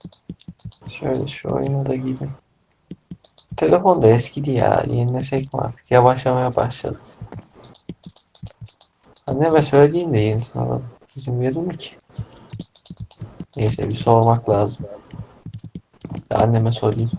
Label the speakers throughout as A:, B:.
A: Şöyle şu oyuna da gireyim. Telefon da eskidi ya. Yenilesek mi artık? Yavaşlamaya başladı. Anneme söyleyeyim de yenisini alalım. İzin verir mi ki? Neyse bir sormak lazım. Anneme sorayım.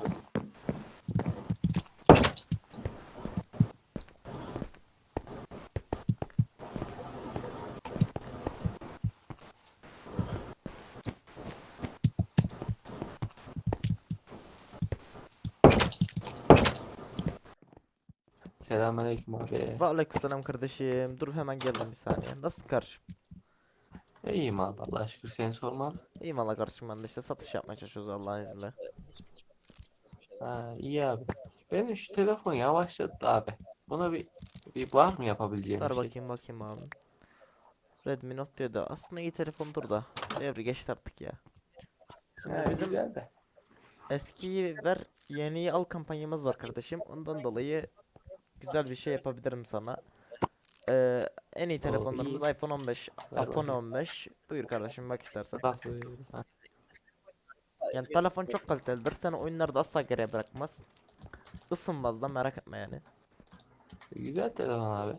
A: Selamünaleyküm abi.
B: Ve aleykümselam kardeşim. Dur hemen geldim bir saniye. Nasılsın kardeşim?
A: İyiyim abi Allah'a şükür seni sormalı.
B: İyiyim valla kardeşim, ben de işte satış yapmaya çalışıyoruz Allah'ın izniyle.
A: Ha, iyi abi. Benim şu telefon yavaşladı da abi. Buna bir var mı yapabileceğim bir
B: Ver
A: şey?
B: bakayım abi. Redmi Note 7 aslında iyi telefondur da devri geçti artık ya. Şimdi
A: He,
B: bizim
A: güzel de.
B: eskiyi ver yeniyi al kampanyamız var kardeşim. Ondan dolayı güzel bir şey yapabilirim sana. En iyi
A: O iyi.
B: telefonlarımız iPhone 15,
A: Ver
B: Apone
A: bakayım.
B: 15. Buyur kardeşim bak istersen.
A: Bak böyle. Ha,
B: Yani telefon çok kalitelidir. Seni oyunlarda asla geriye bırakmaz. Isınmaz da, merak etme yani.
A: güzel telefon abi.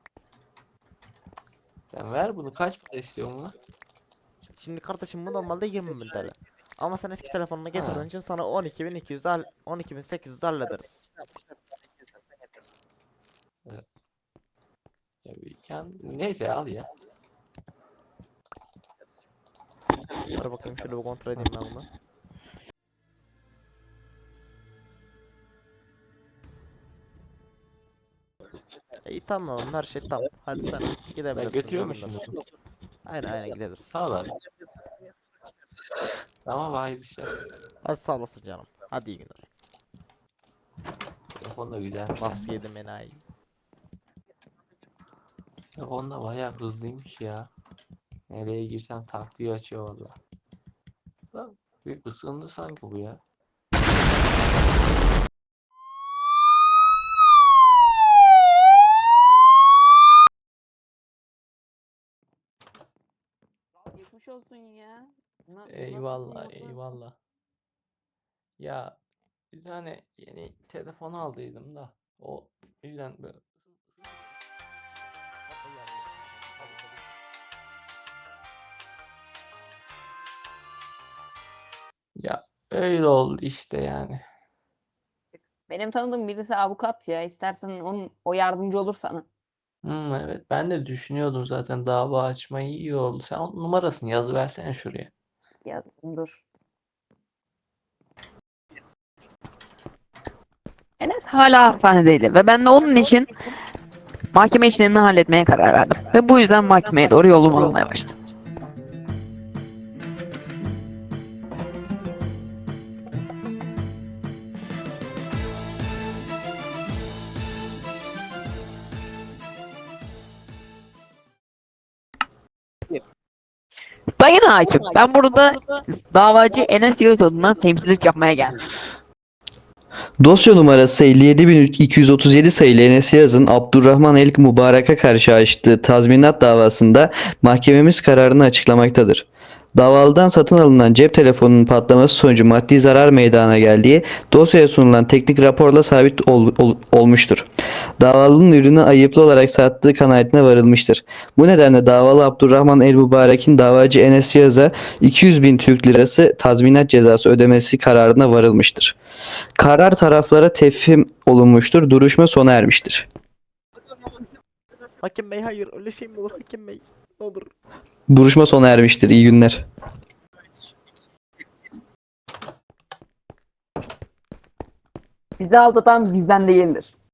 A: Sen ver bunu kaç para istiyorsun bunu?
B: Şimdi kardeşim bu normalde 20.000 TL. Ama sen eski telefonunu
A: Ha,
B: getirdiğin için sana 12.200 al, 12.800 hallederiz.
A: evet. Neyse al ya.
B: Dur bakayım şöyle bir kontrol edeyim ben bunu. İyi tamam, her şey tamam. Hadi sen
A: Ben
B: gidebilirsin, iyi
A: götürüyorum
B: günler.
A: şimdi bunu.
B: Aynen gidebilirsin.
A: Sağ ol abi. Tamam hayırlı işler.
B: Hadi sağ olasın canım. Hadi iyi günler.
A: Telefon da güzelmiş ha.
B: Nasıl yedim enayi.
A: Telefon da bayağı hızlıymış ya. Nereye girsem taktiği açıyor valla. Lan bir ısındı sanki bu ya.
C: Geçmiş olsun ya. Nasılsın,
A: Eyvallah
C: nasıl?
A: eyvallah. Ya bir tane yeni telefon aldıydım da o yüzden böyle ya öyle oldu işte yani.
C: Benim tanıdığım birisi avukat ya. İstersen o yardımcı olur sana.
A: Evet ben de düşünüyordum zaten dava açmayı iyi oldu. Sen onun numarasını yazıversene şuraya.
C: Ya dur. Enes hala hastanedeydi ve ben de onun için mahkeme işlerini halletmeye karar verdim. Ve bu yüzden mahkemeye doğru yolumu almaya başladım. Sayın hakim, ben burada davacı Enes Yağız adına temsilcilik yapmaya geldim.
D: Dosya numarası 57.237 sayılı Enes Yağız'ın Abdurrahman El Mübarek'e karşı açtığı tazminat davasında mahkememiz kararını açıklamaktadır. Davalıdan satın alınan cep telefonunun patlaması sonucu maddi zarar meydana geldiği dosyaya sunulan teknik raporla sabit olmuştur. Davalının ürünü ayıplı olarak sattığı kanaatine varılmıştır. Bu nedenle davalı Abdurrahman El Mübarek'in davacı Enes Yağız'a 200.000 Türk Lirası tazminat cezası ödemesi kararına varılmıştır. Karar taraflara tefhim olunmuştur. Duruşma sona ermiştir.
B: Hakim bey hayır, öyle şey mi olur hakim bey? Ne olur.
D: Duruşma sona ermiştir. İyi günler.
C: Bizi aldatan bizden değildir.